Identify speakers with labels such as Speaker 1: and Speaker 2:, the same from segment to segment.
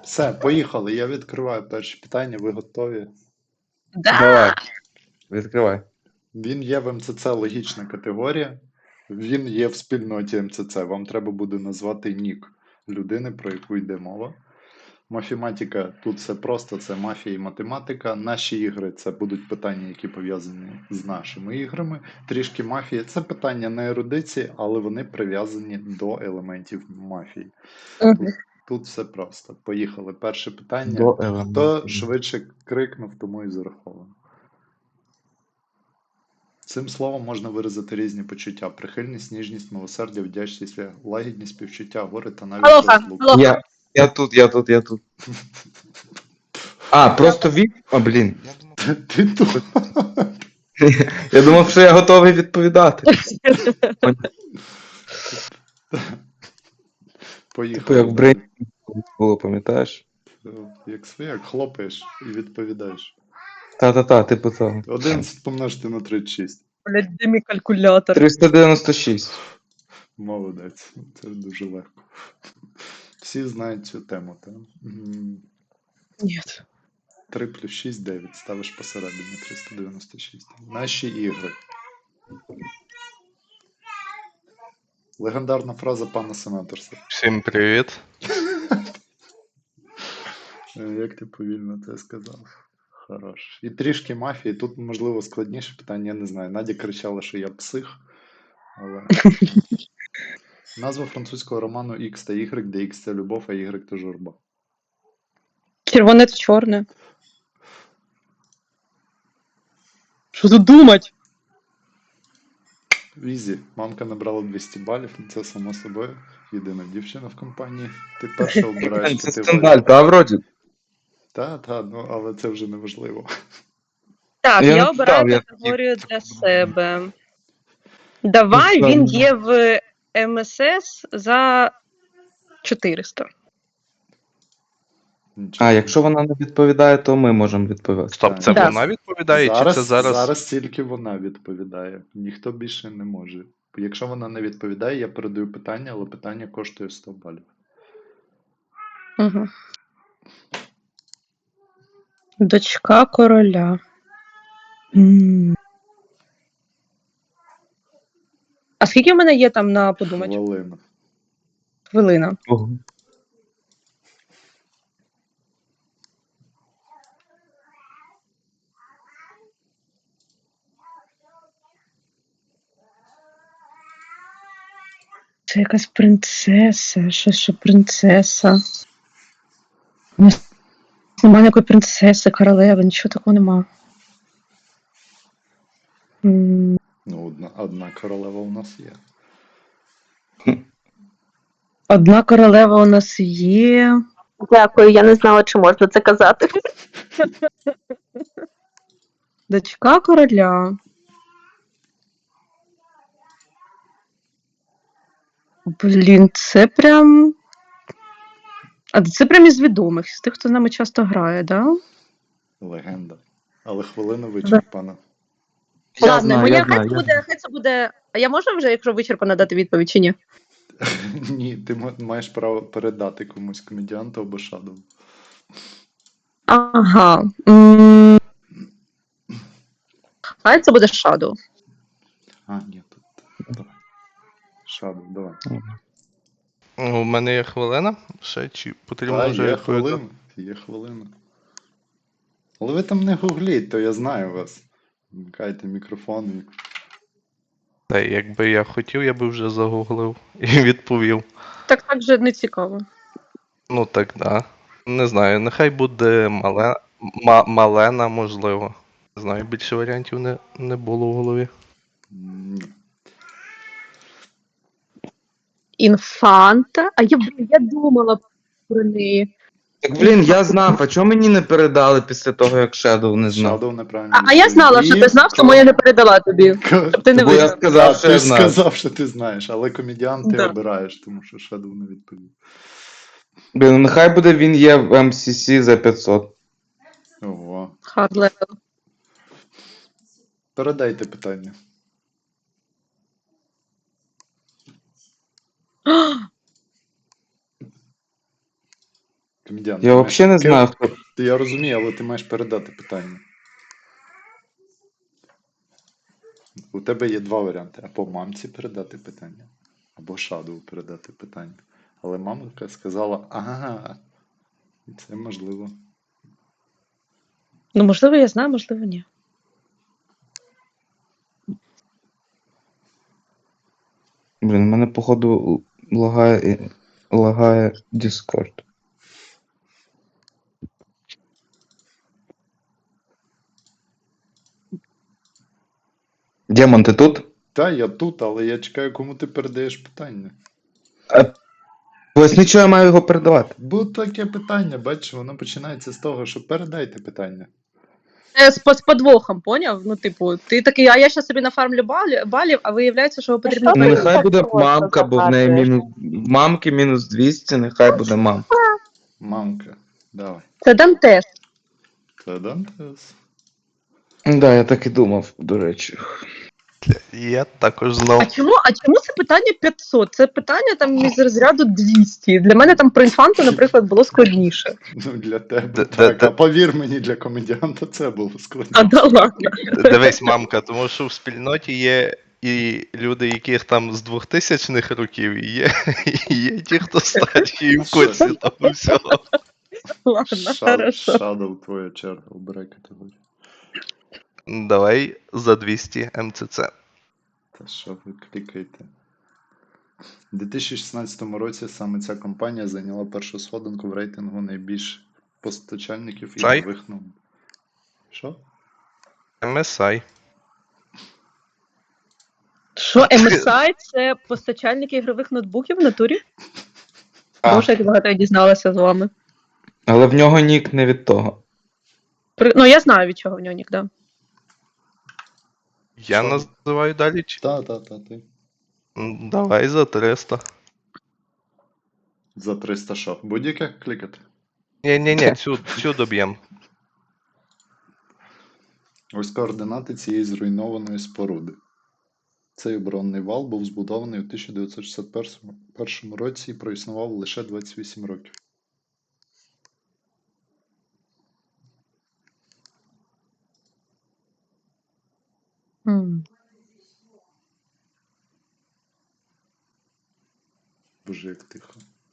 Speaker 1: Все, поїхали. Я відкриваю перше питання. Ви готові?
Speaker 2: Давай,
Speaker 3: Да!
Speaker 2: відкривай.
Speaker 1: Він є в МЦЦ логічна категорія. Він є в спільноті МЦЦ. Вам треба буде назвати нік людини, про яку йде мова. Мафематика тут все просто, це мафія і математика. Наші ігри це будуть питання, які пов'язані з нашими іграми. Трішки мафії це питання не ерудиції, але вони прив'язані до елементів мафії. Тут все просто. Поїхали. Перше питання.
Speaker 2: До
Speaker 1: Хто
Speaker 2: елементів.
Speaker 1: швидше крикнув, тому і зараховано. Цим словом можна виразити різні почуття: прихильність, ніжність, милосердя, вдячність, лагідність, співчуття, горе та навіть
Speaker 3: Алоха,
Speaker 1: розлуку.
Speaker 3: алоха.
Speaker 2: Я тут. А, просто А, блін.
Speaker 1: Ти тут.
Speaker 2: Я думав, що я готовий відповідати.
Speaker 1: Поїхали.
Speaker 2: Типу, як в
Speaker 1: далі.
Speaker 2: Брейні було, пам'ятаєш?
Speaker 1: Як свояк, хлопаєш і відповідаєш.
Speaker 2: Та-та-та, типу того.
Speaker 1: 11 помножити на 36.
Speaker 3: Блядь, де мій калькулятор?
Speaker 2: 396.
Speaker 1: Молодець. Це дуже легко. Всі знають цю тему, так?
Speaker 3: Ні.
Speaker 1: 3 плюс 6 – 9. Ставиш посередині 396. Наші ігри. Легендарна фраза пана Сенаторса.
Speaker 4: Всім привіт.
Speaker 1: Як ти повільно це сказав? Хорош. І трішки мафії. Тут, можливо, складніше питання, я не знаю. Надя кричала, що я псих, але... Назва французького роману X та Y, де X це любов, а Y це журба.
Speaker 3: Червоне та чорне. Що тут думать?
Speaker 1: Ізі. Мамка набрала 200 балів, це само собою. Єдина дівчина в компанії. Ти перша обираєш
Speaker 2: Це
Speaker 1: категорію.
Speaker 2: скандаль, та вроді?
Speaker 1: Та, ну, але це вже не важливо.
Speaker 3: Так,
Speaker 2: Я
Speaker 3: я
Speaker 2: не
Speaker 3: обираю
Speaker 2: питав, я
Speaker 3: категорію
Speaker 2: хотів,
Speaker 3: для себе. Давай,
Speaker 2: Ну,
Speaker 3: він
Speaker 2: що?
Speaker 3: є в МСС за 400.
Speaker 1: Нічого.
Speaker 2: А, якщо вона не відповідає, то ми можемо відповісти.
Speaker 4: Стоп, це
Speaker 3: Да.
Speaker 4: вона відповідає, чи це зараз.
Speaker 1: Зараз тільки вона відповідає. Ніхто більше не може. Якщо вона не відповідає, я передаю питання, але питання коштує 100 балів.
Speaker 3: Угу. Дочка короля. А скільки в мене є там на подумати?
Speaker 1: Хвилина.
Speaker 3: Хвилина.
Speaker 2: Ого.
Speaker 3: Це якась принцеса. Що принцеса? У нас немає ніякої принцеси, королеви, нічого такого нема.
Speaker 1: Ну, одна королева у нас є.
Speaker 3: Одна королева у нас є.
Speaker 5: Дякую, я не знала, чи можна це казати.
Speaker 3: Дочка короля. Блін, це прям. А це прям із відомих, з тих, хто з нами часто грає, да?
Speaker 1: Легенда. Але хвилина вичерпана.
Speaker 2: Я
Speaker 3: Ладно,
Speaker 2: знаю,
Speaker 3: моя
Speaker 2: я знаю,
Speaker 3: хай це буде. А я можу вже, якщо вичерпано, дати відповідь чи ні?
Speaker 1: Ні, ти маєш право передати комусь комедіанту або шадову.
Speaker 3: Ага. Хай це буде Shadow.
Speaker 1: А, ні, тут. Давай. Шадов, давай.
Speaker 4: У мене є хвилина. Ще чи потрібно
Speaker 1: Та,
Speaker 4: вже
Speaker 1: є
Speaker 4: відповідати?
Speaker 1: хвилина. Є хвилина. Але ви там не гугліть, то я знаю вас. Вмикайте мікрофон і.
Speaker 4: Та якби я хотів, я би вже загуглив і відповів.
Speaker 3: Так же не цікаво.
Speaker 4: Ну так, да. Не знаю, нехай буде Малена, можливо. Не знаю, більше варіантів не було в голові.
Speaker 1: Ні.
Speaker 3: Інфанта. А я думала про неї.
Speaker 2: Так, блін, я знав, а чого мені не передали після того, як Shadow не знав?
Speaker 1: Шадов неправильно.
Speaker 3: А я знала, що ти знав, тому я не передала тобі. Щоб ти не
Speaker 2: Бо я
Speaker 3: виграв.
Speaker 2: сказав, що
Speaker 1: Ти
Speaker 2: я
Speaker 1: ж
Speaker 2: знав.
Speaker 1: сказав, що ти знаєш, але комедіант ти
Speaker 3: Да.
Speaker 1: обираєш, тому що Шадов не відповів.
Speaker 2: Блін, ну нехай буде він є в MCC за 500.
Speaker 1: Ого.
Speaker 3: Hard level.
Speaker 1: Передайте питання. Комедіан,
Speaker 2: Я взагалі не знаю, хто.
Speaker 1: Я розумію, але ти маєш передати питання. У тебе є два варіанти. Або мамці передати питання, або Шадову передати питання. Але мамка сказала, ага, це можливо.
Speaker 3: Ну, можливо, я знаю, можливо, ні.
Speaker 2: Блін, у мене, походу, лагає Discord. Демон, ти тут?
Speaker 1: Та, я тут, але я чекаю, кому ти передаєш питання.
Speaker 2: Поясни, що я маю його передавати.
Speaker 1: Бо таке питання, бачиш, воно починається з того, що передайте питання.
Speaker 3: З подвохом, поняв? Ну, типу, ти такий, а я щас собі нафармлю балів, а виявляється, що потрібно.
Speaker 5: що
Speaker 2: Ну,
Speaker 5: ти
Speaker 2: нехай
Speaker 5: так
Speaker 2: буде
Speaker 5: просто
Speaker 2: мамка, бо в неї
Speaker 5: загадуєш?
Speaker 2: в мамки мінус 200, нехай буде мамка.
Speaker 1: Мамка, давай.
Speaker 3: Це Дантес.
Speaker 1: Це Дантес.
Speaker 2: Да, я так і думав, до речі.
Speaker 4: Я також знав.
Speaker 3: А чому це питання 500? Це питання там із розряду 200. Для мене там про інфанту, наприклад, було складніше.
Speaker 1: Ну, для тебе
Speaker 4: Д-
Speaker 1: так,
Speaker 4: д-
Speaker 1: а повір мені, для комедіанта це було складно.
Speaker 3: А да ладно.
Speaker 4: Дивись, мамка, тому що в спільноті є і люди, яких там з 2000-х років, і є ті, хто старші і в курсі того всього.
Speaker 3: Ладно, хорошо.
Speaker 1: Шадов, твоя черга, обирай категорію.
Speaker 4: Давай за 200 МЦЦ.
Speaker 1: Та що ви клікаєте? У 2016 році саме ця компанія зайняла першу сходинку в рейтингу найбільш постачальників
Speaker 4: Чай?
Speaker 1: ігрових ноутбуків. Що?
Speaker 4: MSI.
Speaker 3: Що, MSI – це постачальники ігрових ноутбуків в натурі?
Speaker 4: А.
Speaker 3: Боже, як багато я дізналася з вами.
Speaker 2: Але в нього нік не від того.
Speaker 3: Ну, я знаю, від чого в нього нік, да.
Speaker 4: Я
Speaker 1: Що?
Speaker 4: називаю далі.
Speaker 1: Та, ти.
Speaker 4: Давай за 300.
Speaker 1: За 300 що? Будь-яке клікати?
Speaker 4: Ні, цю доб'єм.
Speaker 1: Ось координати цієї зруйнованої споруди. Цей оборонний вал був збудований у 1961 році і проіснував лише 28 років. Боже, як тихо.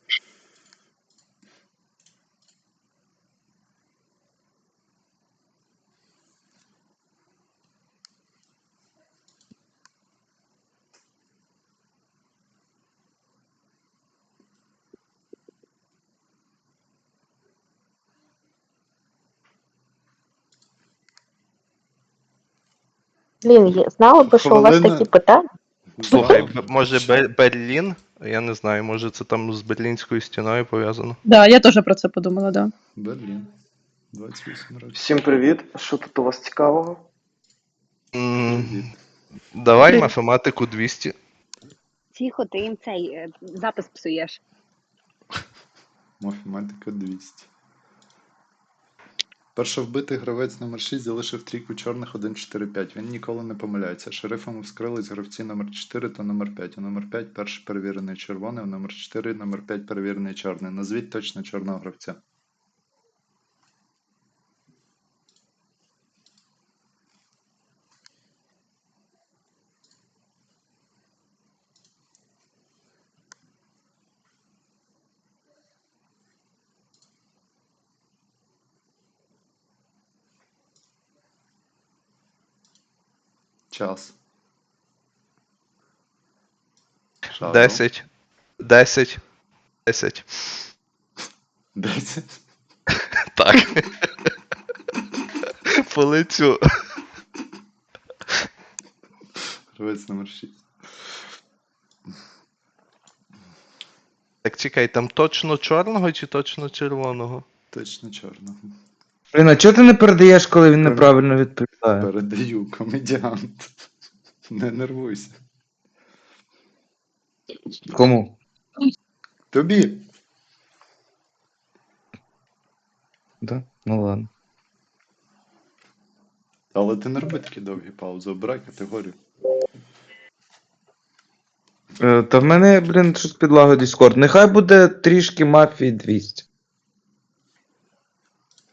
Speaker 5: Блін, знала би, що у вас
Speaker 1: Хвилина.
Speaker 5: такі питання.
Speaker 4: Слухай, може Берлін? Я не знаю, може це там з Берлінською стіною пов'язано.
Speaker 3: Да, я теж про це подумала, да.
Speaker 1: Берлін. 28 років.
Speaker 6: Всім привіт. Що тут у вас цікавого?
Speaker 1: Привіт.
Speaker 4: Давай математику 200.
Speaker 7: Тихо, ти їм цей запис псуєш.
Speaker 1: Математика 200. Першовбитий гравець номер 6 залишив трійку чорних 1-4-5. Він ніколи не помиляється. Шерифами вскрились гравці номер 4 та номер 5. У номер 5 перший перевірений червоний, у номер 4 номер 5 перевірений чорний. Назвіть точно чорного гравця. Час. Шадо.
Speaker 4: 10. 10. 10.
Speaker 1: 10.
Speaker 4: Так. По лицю.
Speaker 1: Гравець номер 6.
Speaker 4: Так чекай, там точно чорного чи точно червоного?
Speaker 1: Точно чорного.
Speaker 2: Блін, а чого ти не передаєш, коли він неправильно відповідає?
Speaker 1: Передаю, комедіант. Не нервуйся.
Speaker 2: Кому?
Speaker 1: Тобі.
Speaker 2: Да? Ну ладно.
Speaker 1: Але ти не роби такі довгі паузи, обирай категорію.
Speaker 2: Та в мене, блін, щось підлаго Discord. Нехай буде трішки мафії 200.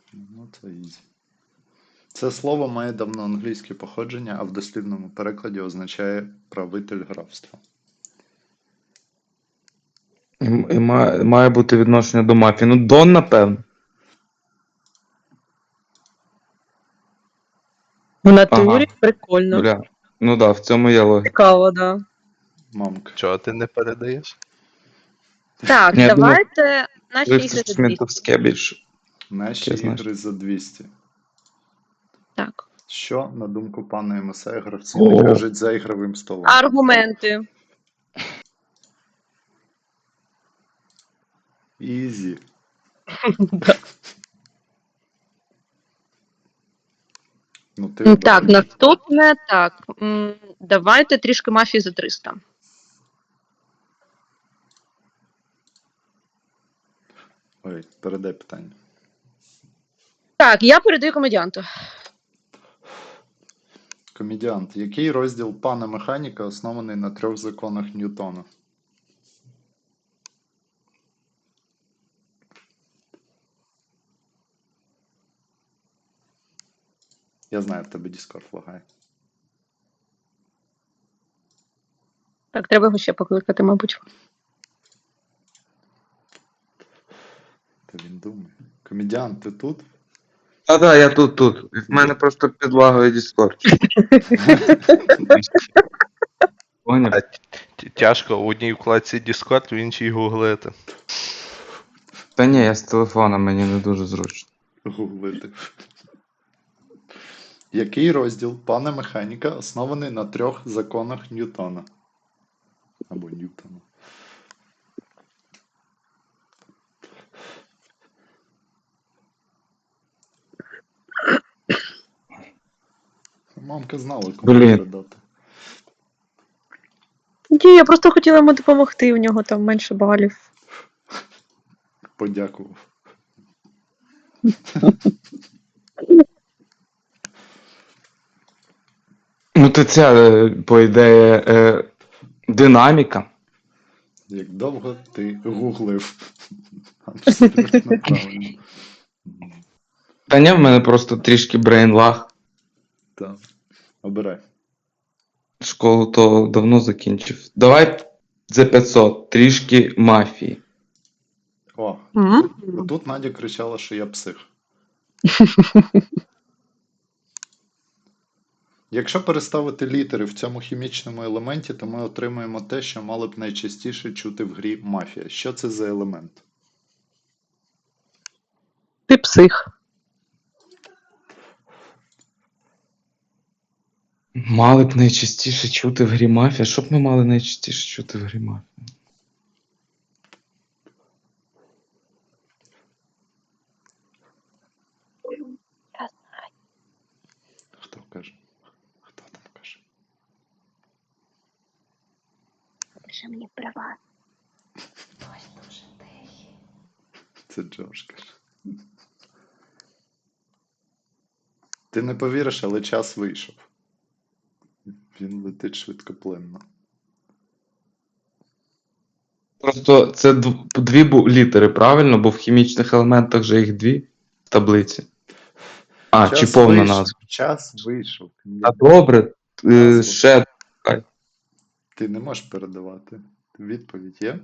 Speaker 1: Ну, це ізі. Це слово має давноанглійське походження, а в дослівному перекладі означає правитель графства.
Speaker 2: І має бути відношення до мафії. Ну, Дон, напевно.
Speaker 3: В натурі
Speaker 2: Ага.
Speaker 3: прикольно.
Speaker 2: Бля. Ну да, в цьому є логіка.
Speaker 3: Цікаво, да.
Speaker 1: Мамка.
Speaker 4: Чого ти не передаєш?
Speaker 3: Так,
Speaker 2: Ні, я думаю,
Speaker 3: давайте наші ігри за 200.
Speaker 2: Смітовське більше.
Speaker 1: Наші
Speaker 2: Я знаю.
Speaker 1: ігри за 200.
Speaker 3: Так.
Speaker 1: Що, на думку пана МСА, гравці
Speaker 2: О.
Speaker 1: не кажуть за ігровим столом?
Speaker 3: Аргументи.
Speaker 1: Ізі. Ну, ти
Speaker 3: Так,
Speaker 1: обирай.
Speaker 3: наступне, так. Давайте трішки мафії за 300.
Speaker 1: Ой, передай питання.
Speaker 3: Так, я передаю комедіанту.
Speaker 1: Комедіант. Який розділ пана механіка оснований на 3 законах Ньютона? Я знаю, в тебе Discord лагає.
Speaker 3: Так, треба його ще покликати, мабуть.
Speaker 1: Та він думає. Комедіант, ти тут?
Speaker 2: Да, я тут. В мене просто підлагує Discord. Поняв?
Speaker 4: Тяжко в одній вкладці Discord, в іншій гуглити.
Speaker 2: Та ні, я з телефона, мені не дуже зручно.
Speaker 1: Гуглити. Який розділ пана механіка оснований на 3 законах Ньютона? Або Ньютона. Мамка знала, кому
Speaker 2: Блін.
Speaker 1: передати.
Speaker 3: Ні, я просто хотіла йому допомогти, у нього там менше балів.
Speaker 1: Подякував.
Speaker 2: Ну, то це, по ідеї, динаміка.
Speaker 1: Як довго ти гуглив? Абсолютно правильно.
Speaker 2: Та ні, в мене просто трішки брейнлаг.
Speaker 1: Так. Обирай.
Speaker 2: Школу то давно закінчив. Давай за 500, трішки мафії.
Speaker 1: О, отут Надя кричала, що я псих. Якщо переставити літери в цьому хімічному елементі, то ми отримаємо те, що мали б найчастіше чути в грі мафія. Що це за елемент?
Speaker 3: Ти псих.
Speaker 2: Мали б найчастіше чути в грі мафія. Що б ми мали найчастіше чути в грі мафія?
Speaker 1: Хто каже? Хто там каже?
Speaker 7: Пиши мені права.
Speaker 1: Це Джош каже. Ти не повіриш, але час вийшов. Він летить швидкоплинно.
Speaker 2: Просто це дві літери, правильно? Бо в хімічних елементах же їх дві в таблиці. А, чи повна
Speaker 1: вийшов.
Speaker 2: назва.
Speaker 1: Час вийшов.
Speaker 2: А добре,
Speaker 1: Назва.
Speaker 2: ще.
Speaker 1: Ти не можеш передавати. Відповідь є?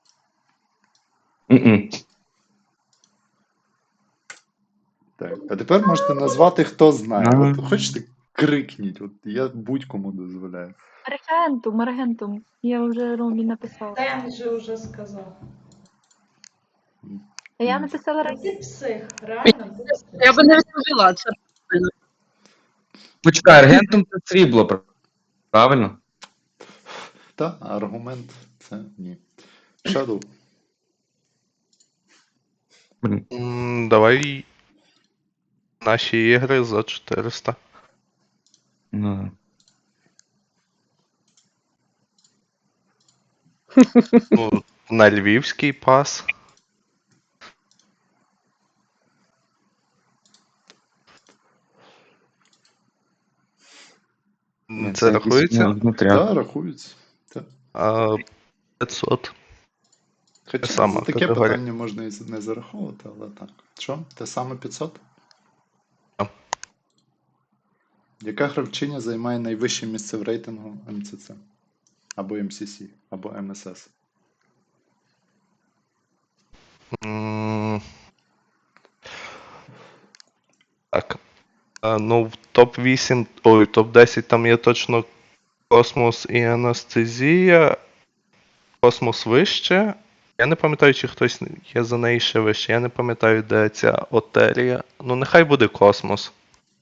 Speaker 2: М-м.
Speaker 1: Так. А тепер можете назвати, хто знає.
Speaker 2: А.
Speaker 1: От хочете крикніть, от я будь-кому дозволяю.
Speaker 8: Аргентум. Я вже Ромі написала.
Speaker 9: Ден же вже сказав.
Speaker 8: Я написала
Speaker 9: Ти псих, реально ти псих.
Speaker 3: Я би не розповіла це.
Speaker 2: Почекай, аргентум це срібло, правильно?
Speaker 1: Та, а аргумент це ні. Shadow.
Speaker 4: Давай наші ігри за 400.
Speaker 2: Ну.
Speaker 4: Ну, на львівський пас. Це рахується?
Speaker 1: Так, рахується. Та.
Speaker 4: 500.
Speaker 1: Хоча
Speaker 4: Сама
Speaker 1: за таке
Speaker 4: категорія.
Speaker 1: питання можна і не зараховувати, але так. Що? Те саме 500? Яка гравчиня займає найвище місце в рейтингу МЦЦ? Або МСС, або МСС?
Speaker 4: М, Так. Ну, в топ-8, ой, топ-10 там є точно Космос і Анестезія. Космос вище. Я не пам'ятаю, чи хтось є за неї ще вище. Я не пам'ятаю, де ця Отерія. Ну, нехай буде Космос.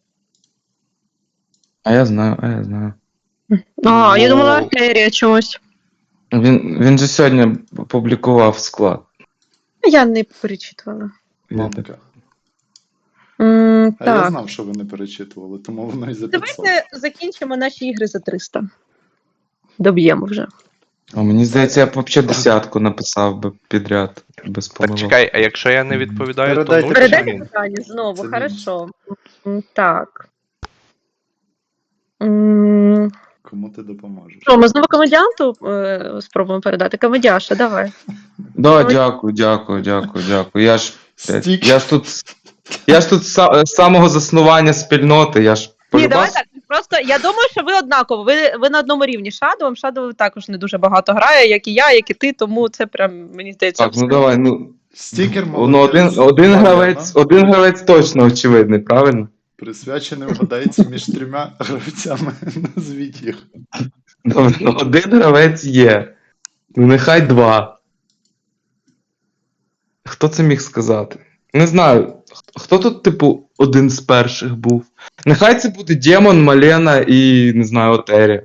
Speaker 2: А я знаю, а я знаю.
Speaker 3: Я думала,
Speaker 4: Ну,
Speaker 3: артерія чомусь.
Speaker 2: Він же сьогодні публікував склад.
Speaker 3: Я не перечитувала.
Speaker 1: Мамка. А я
Speaker 3: Так.
Speaker 1: знав, що ви не перечитували, тому воно і за 500.
Speaker 3: Давайте закінчимо наші ігри за 300. Доб'ємо вже.
Speaker 2: А мені здається, я б взагалі десятку написав би підряд, без
Speaker 4: так
Speaker 2: помилок.
Speaker 4: чекай, а якщо я не відповідаю, то
Speaker 1: Передайте
Speaker 4: 0 чи
Speaker 3: Передайте
Speaker 4: ні?
Speaker 3: питання знову,
Speaker 1: Це
Speaker 3: хорошо. Так. М,
Speaker 1: Кому ти допоможеш?
Speaker 3: Що, ми знову комедіанту спробуємо передати? Комедіаша, давай.
Speaker 2: Да, дякую. Я ж
Speaker 1: Стік.
Speaker 2: Я ж тут з самого заснування спільноти, я ж
Speaker 3: Ні, давай
Speaker 2: полюбас.
Speaker 3: так. Просто я думаю, що ви однаково. Ви на одному рівні з Шадовим. Шадов також не дуже багато грає, як і я, як і ти, тому це прям, мені здається,
Speaker 2: Так, ну давай, ну.
Speaker 1: Стікер
Speaker 2: Ну,
Speaker 1: молодець.
Speaker 2: один гравець точно очевидний, правильно?
Speaker 1: Присвячений вгадається між трьома гравцями. Назвіть їх.
Speaker 2: Добре, ну, один гравець є. Ну, нехай два. Хто це міг сказати? Не знаю. Хто тут, типу, один з перших був? Нехай це буде Демон, Малена і, не знаю, Отерія.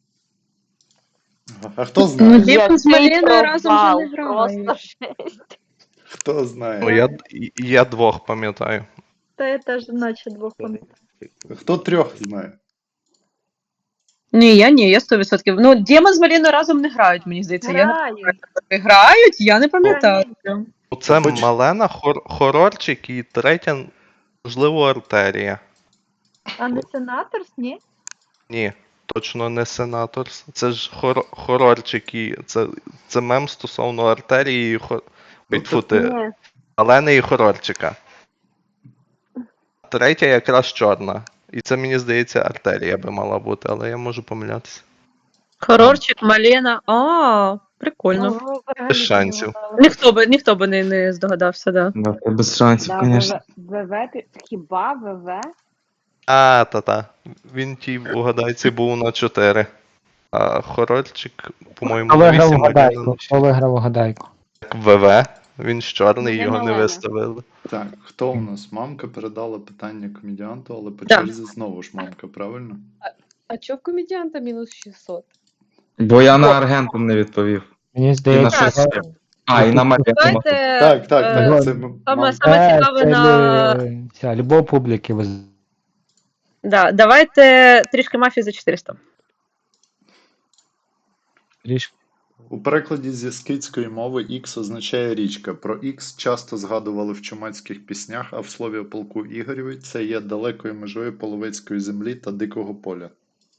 Speaker 1: А хто
Speaker 3: Ну,
Speaker 1: знає?
Speaker 3: Дімон з
Speaker 5: Який
Speaker 3: Маліною разом вже
Speaker 5: провал,
Speaker 3: не грають.
Speaker 5: просто жесть.
Speaker 1: Хто
Speaker 4: Ну,
Speaker 1: знає?
Speaker 4: я двох пам'ятаю.
Speaker 8: Та я теж наче двох пам'ятаю.
Speaker 1: Хто трьох знає?
Speaker 3: Ні, я 100%. Ну, Дімон з Маліною разом не грають, мені здається.
Speaker 8: Грають.
Speaker 3: Грають, я не пам'ятаю.
Speaker 4: Це
Speaker 1: Хоч-
Speaker 4: Малена, хорорчик і третя, можливо, Артерія.
Speaker 8: А не сенаторс, ні?
Speaker 4: Ні, точно не Сенаторс. Це ж хорорчик і це мем стосовно артерії і
Speaker 1: Ну,
Speaker 4: Ой, тьфу ти,
Speaker 5: Ні.
Speaker 4: Алени і хорорчика. Третя якраз чорна. І це, мені здається, артерія би мала бути, але я можу помилятися.
Speaker 3: Хорорчик, Малена. Прикольно.
Speaker 5: Ну,
Speaker 4: Без шансів.
Speaker 3: Ніхто би не здогадався, да.
Speaker 2: Да, це без шансів,
Speaker 7: Да,
Speaker 2: звісно.
Speaker 7: ВВ, хіба ВВ?
Speaker 4: Та. Він тій угадайці був на 4. А хорорчик, по-моєму, на 8
Speaker 10: Виграв угадайку.
Speaker 4: ВВ. Він ж чорний,
Speaker 7: Не
Speaker 4: його не
Speaker 7: Малена.
Speaker 4: виставили.
Speaker 1: Так, хто у нас? Мамка передала питання комедіанту, але по
Speaker 3: Да.
Speaker 1: черзі знову ж мамка, правильно?
Speaker 11: А чо в комедіанта мінус 600?
Speaker 2: Бо я на Аргентум не відповів.
Speaker 10: Мені
Speaker 2: І на
Speaker 10: здається,
Speaker 2: щось ще. А, і на Малену.
Speaker 3: Давайте
Speaker 1: Так, це
Speaker 3: саме
Speaker 1: мамка.
Speaker 3: цікаве на.
Speaker 10: любов публіки.
Speaker 3: Да, давайте трішки мафії за 400.
Speaker 1: У перекладі зі скітської мови Ікс означає річка. Про Ікс часто згадували в чумацьких піснях, а в слові о полку Ігорєві це є далекою межою половецької землі та дикого поля.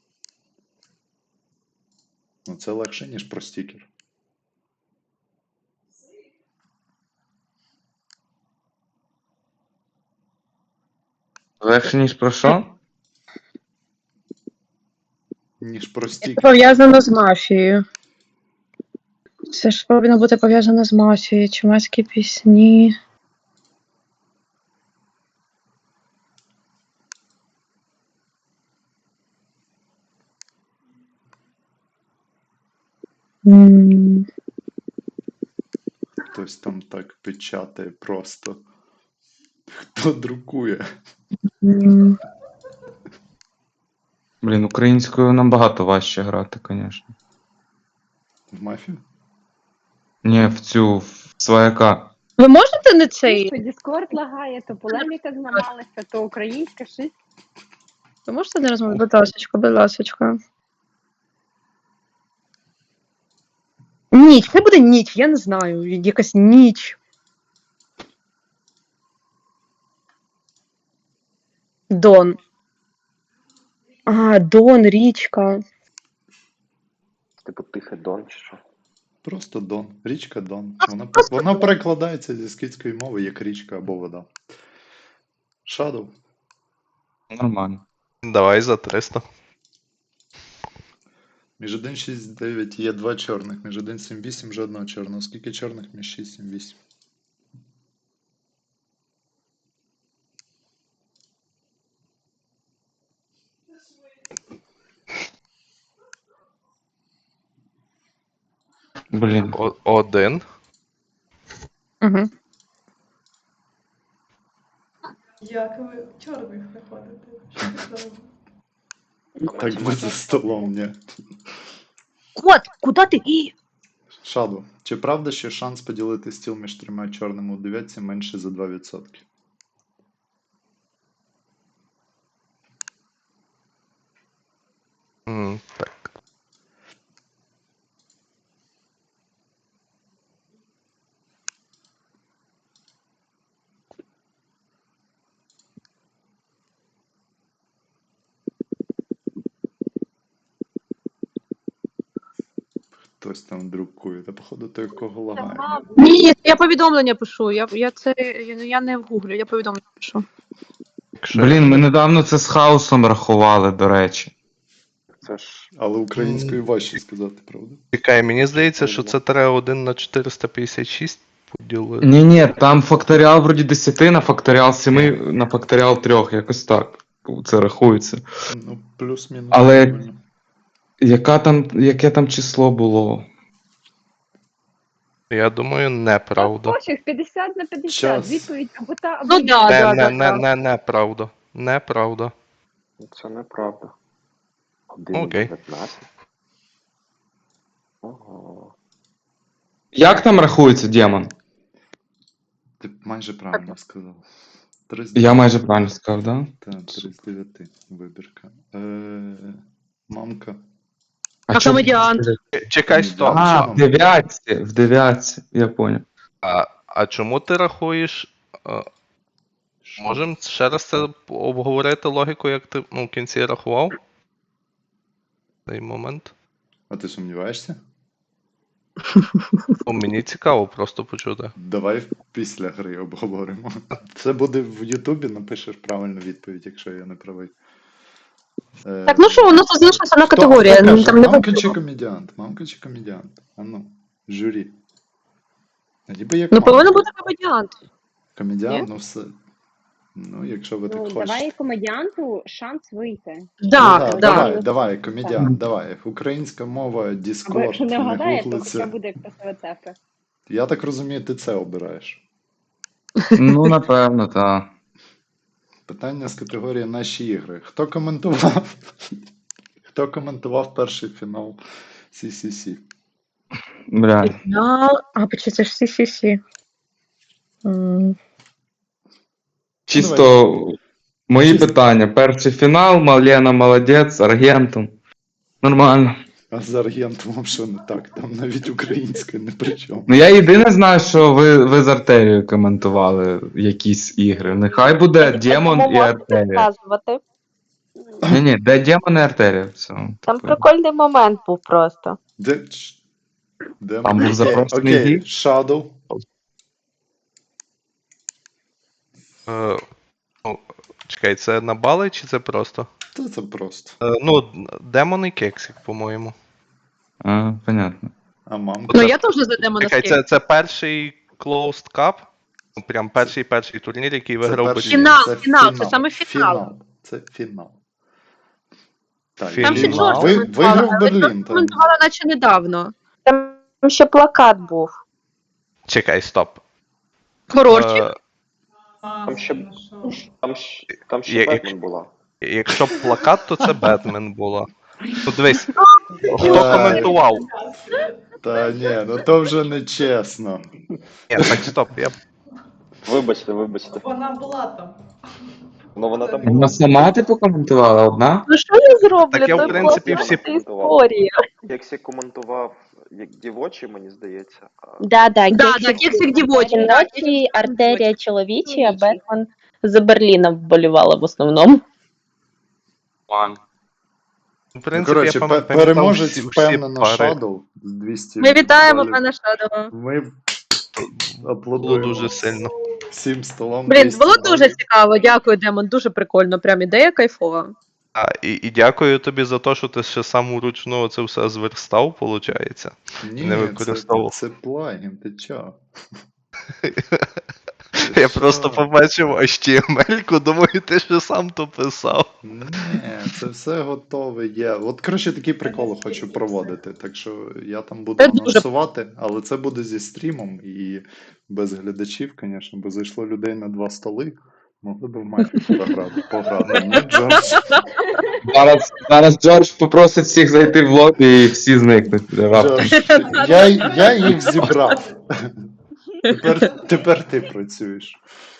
Speaker 1: Ну, це легше, ніж про стікер.
Speaker 2: Легше, ніж про що?
Speaker 1: Ніж про
Speaker 3: Це
Speaker 1: стікер.
Speaker 3: пов'язано з мафією. Це ж повинно бути пов'язано з мафією. Чумацькі пісні. М,
Speaker 1: Хтось там так печатає просто. Хто друкує?
Speaker 3: м.
Speaker 2: Блін, українською набагато важче грати, звісно.
Speaker 1: В мафію?
Speaker 2: Ні, в свояка.
Speaker 3: Ви можете не цей?
Speaker 7: То Діскорд лагає, то полеміка зламалася, то українська щось.
Speaker 3: Ви можете не розмовляти? Будь ласочка, будь ласочка. Ніч, хай буде ніч, я не знаю. Якась ніч. Дон. Дон, річка.
Speaker 6: Типу тихий Дон чи що?
Speaker 1: Просто Дон. Річка Дон. Вона перекладається зі скітської мови як річка або вода. Shadow.
Speaker 2: Нормально.
Speaker 4: Давай за 300.
Speaker 1: Між 1,6,9 є 2 чорних, між 1,7,8 жодного чорного. Скільки чорних між 6,7,8?
Speaker 2: Блін.
Speaker 4: 1.
Speaker 3: Угу.
Speaker 9: Як ви чорних знаходите? Що це за-
Speaker 1: Так ви за столом, ні.
Speaker 5: Кот, куди ти? І...
Speaker 1: Шаду, чи правда, що шанс поділити стіл між 3 чорними у дев'ятці менше за 2%?
Speaker 4: Так.
Speaker 1: Хтось там друкує, та походу той, кого лагає.
Speaker 3: Ні, я повідомлення пишу. Я не в гуглю, я повідомлення пишу.
Speaker 2: Блін, ми недавно це з хаосом рахували, до речі.
Speaker 6: Це ж
Speaker 1: Але українською важче сказати, правда?
Speaker 4: Чекай, мені здається, що це треба 1 на 456 поділити.
Speaker 2: Ні, там факторіал вроді 10 на факторіал 7 на факторіал 3, якось так. Це рахується.
Speaker 1: Ну, плюс-мінус.
Speaker 2: Але-
Speaker 1: правильно.
Speaker 2: Яке там число було?
Speaker 4: Я думаю, неправда.
Speaker 7: Пофіг, 50 на 50.
Speaker 1: Час.
Speaker 7: Відповідь або та, або
Speaker 3: Ну
Speaker 7: ні.
Speaker 3: да.
Speaker 4: Неправда. Неправда.
Speaker 6: це неправда.
Speaker 4: Окей.
Speaker 6: 1,19. Ого.
Speaker 2: Як там рахується демон?
Speaker 1: Ти майже правильно сказав. 3 з
Speaker 2: Я майже правильно сказав, да?
Speaker 1: Та, 3 з 9 вибірка. Мамка.
Speaker 3: А
Speaker 2: чо-
Speaker 3: комедіант?
Speaker 4: Чекай, стоп.
Speaker 2: А,
Speaker 1: Чому?
Speaker 2: в дев'ятці, я понял.
Speaker 4: А чому ти рахуєш? Можемо ще раз це обговорити логіку, як ти в кінці рахував? Цей момент.
Speaker 1: А ти сумніваєшся?
Speaker 4: Мені цікаво просто почути.
Speaker 1: Давай після гри обговоримо. Це буде в Ютубі, напишеш правильну відповідь, якщо я не правий.
Speaker 5: Так, ну що, у нас тут залишилася одна
Speaker 1: Хто
Speaker 5: категорія.
Speaker 1: каже,
Speaker 5: Там не
Speaker 1: мамка чи
Speaker 5: потрібно.
Speaker 1: комедіант? Мамка чи комедіант? А ну, журі. Ніби як
Speaker 3: Ну,
Speaker 1: мамка.
Speaker 3: повинен бути комедіант.
Speaker 1: Комедіант, ну все. Ну, якщо ви так
Speaker 7: Ну,
Speaker 1: хочете.
Speaker 7: давай комедіанту шанс вийти.
Speaker 1: Ну,
Speaker 3: Да.
Speaker 1: давай, комедіант, давай. Українська мова,
Speaker 7: Або
Speaker 1: Discord,
Speaker 7: якщо не
Speaker 1: не
Speaker 7: вгадає, то
Speaker 1: гуглиться.
Speaker 7: хоча буде красива цифра.
Speaker 1: Я так розумію, ти це обираєш.
Speaker 2: Ну, напевно, так.
Speaker 1: Питання з категорії наші ігри. Хто коментував? Хто коментував перший фінал CCC?
Speaker 2: Блядь.
Speaker 3: Фінал. А, почти це ж CCC.
Speaker 2: Чисто мої
Speaker 1: Чисто.
Speaker 2: питання. Перший фінал, Малена молодець, Аргентум. Нормально.
Speaker 1: А з Аргентумом що не так? Там навіть українська не при чому.
Speaker 2: Ну я єдине знаю, що ви з Артерією коментували якісь ігри. Нехай буде Демон і Артерія.
Speaker 5: Розказувати.
Speaker 2: Ні, де Демон і Артерія. Все.
Speaker 5: Там прикольний момент був просто.
Speaker 1: Де
Speaker 2: Там
Speaker 1: ми?
Speaker 2: був запрошений
Speaker 1: Окей,
Speaker 2: гід?
Speaker 1: Shadow.
Speaker 4: Чекай, це на бали чи це просто?
Speaker 1: Та це просто.
Speaker 4: Демон і Кексик, по-моєму.
Speaker 2: А, понятно.
Speaker 1: А мамка?
Speaker 3: Ну, я теж за демона
Speaker 4: Чекай,
Speaker 3: скину.
Speaker 4: це перший Closed Cup? Ну, прям перший турнір, який виграв
Speaker 1: перший-
Speaker 3: Фінал,
Speaker 1: це
Speaker 3: фінал, це саме фінал.
Speaker 1: Це фінал. Так,
Speaker 4: Там ще
Speaker 1: фінал.
Speaker 3: Джордж
Speaker 1: Виграв
Speaker 3: коментувала, але
Speaker 1: Берлін.
Speaker 3: Джордж коментувала наче недавно.
Speaker 5: Там ще плакат був.
Speaker 4: Чекай, стоп.
Speaker 3: Хороший.
Speaker 6: Там ще-
Speaker 9: знайшов.
Speaker 6: Там ще
Speaker 4: Як-
Speaker 6: Бетмен була.
Speaker 4: Якщо б плакат, то це Бетмен була. Ну дивись, хто
Speaker 1: Ой.
Speaker 4: коментував?
Speaker 1: Та ні, ну то вже не чесно.
Speaker 4: Ні, так стоп,
Speaker 6: Вибачте.
Speaker 9: Вона була там.
Speaker 6: Ну вона там
Speaker 2: Вона
Speaker 6: була.
Speaker 2: сама типу коментувала одна?
Speaker 5: Ну що я зроблю?
Speaker 4: Так я, в
Speaker 5: Це
Speaker 4: принципі,
Speaker 5: класна
Speaker 4: всі-
Speaker 5: історія.
Speaker 6: Кексі коментував як дівочий, мені здається.
Speaker 5: Да,
Speaker 3: Да, Кексик дівочий. да,
Speaker 5: Жіночі, артерія чоловічі, а Бетмен за Берліном вболівала в основному.
Speaker 4: В принципі,
Speaker 1: Коротше,
Speaker 4: я пам'ятав
Speaker 1: переможець
Speaker 4: всі
Speaker 1: впевнено
Speaker 4: пари.
Speaker 1: Shadow з 200
Speaker 3: Ми вітаємо
Speaker 1: балів.
Speaker 3: пана Шадова.
Speaker 1: Ми
Speaker 4: Було
Speaker 1: аплодуємо
Speaker 4: дуже сильно.
Speaker 1: всім столом.
Speaker 3: Блін,
Speaker 1: 200
Speaker 3: було дуже
Speaker 1: балів.
Speaker 3: цікаво, дякую, Демон, дуже прикольно, прям ідея кайфова.
Speaker 4: І дякую тобі за те, що ти ще сам вручну це все зверстав, виходить.
Speaker 1: Ні,
Speaker 4: Не використовував.
Speaker 1: це плагін, ти чо?
Speaker 4: Я просто побачив HTML-ку, думаю, ти ще сам то писав.
Speaker 1: Ні, це все готове є. От, коротше, такі приколи хочу проводити. Так що я там буду
Speaker 3: Це дуже-
Speaker 1: анонсувати, але це буде зі стрімом і без глядачів, звісно, бо зайшло людей на 2 столи. Могли б в мафію пограти. Ні, Джордж.
Speaker 2: Зараз Джордж попросить всіх зайти в лобі і всі зникнуть. Раптом.
Speaker 1: Джордж, я їх зібрав. Тепер ти працюєш.